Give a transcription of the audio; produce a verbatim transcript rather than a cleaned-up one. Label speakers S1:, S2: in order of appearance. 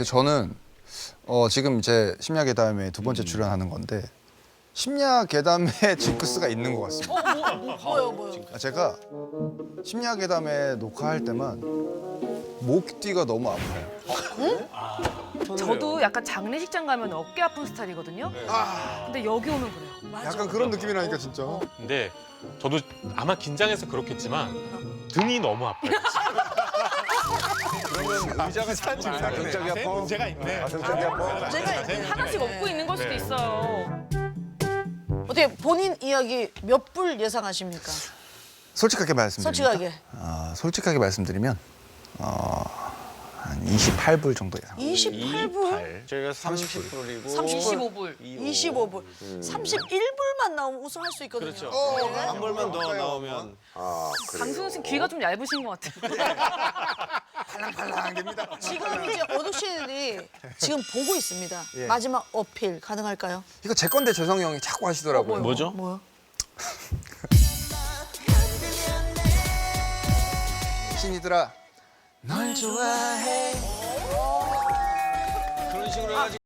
S1: 저는 어, 지금 이제 심야괴담에 두 번째 출연하는 건데 심야괴담에 징크스가 있는 것 같습니다.
S2: 어, 뭐, 뭐, 뭐요, 뭐요?
S1: 아, 제가 심야괴담에 녹화할 때만 목뒤가 너무 아파요.
S3: 저도 약간 장례식장 가면 어깨 아픈 스타일이거든요. 근데 여기 오면 그래요.
S1: 약간 그런 느낌이라니까 진짜.
S4: 근데 저도 아마 긴장해서 그렇겠지만 등이 너무 아파요.
S5: 의자가 찬지
S6: 등짝이 아파?
S5: 문제가 있네.
S6: 등짝이 아파?
S2: 제가 있네.
S3: 하나씩 업고 있는 걸 수도
S4: 네.
S3: 있어요.
S2: 어떻게 본인 이야기 몇 불 예상하십니까?
S1: 솔직하게 말씀드리면
S2: 솔직하게.
S1: 어, 솔직하게 말씀드리면 어, 한 이십팔 불 정도 예상.
S2: 이십팔 불?
S6: 저희가 삼십 불이고
S2: 삼십오
S3: 불.
S2: 이십오 불. 삼십일 불만 나오면 우승할 수 있거든요.
S6: 그렇죠.
S2: 네.
S6: 한 벌만 더 나오면
S1: 아,
S3: 강승우 씨 귀가 좀 얇으신 것 같아요.
S1: 팔랑팔랑됩니다.
S2: 지금 이제 어둑씨들이 지금 보고 있습니다.
S1: 예.
S2: 마지막 어필 가능할까요?
S1: 이거 제 건데 재성이 형이 자꾸 하시더라고요.
S5: 뭐죠?
S2: 뭐요?
S1: 신이들아 널 좋아해.
S6: 그런 식으로 해가지고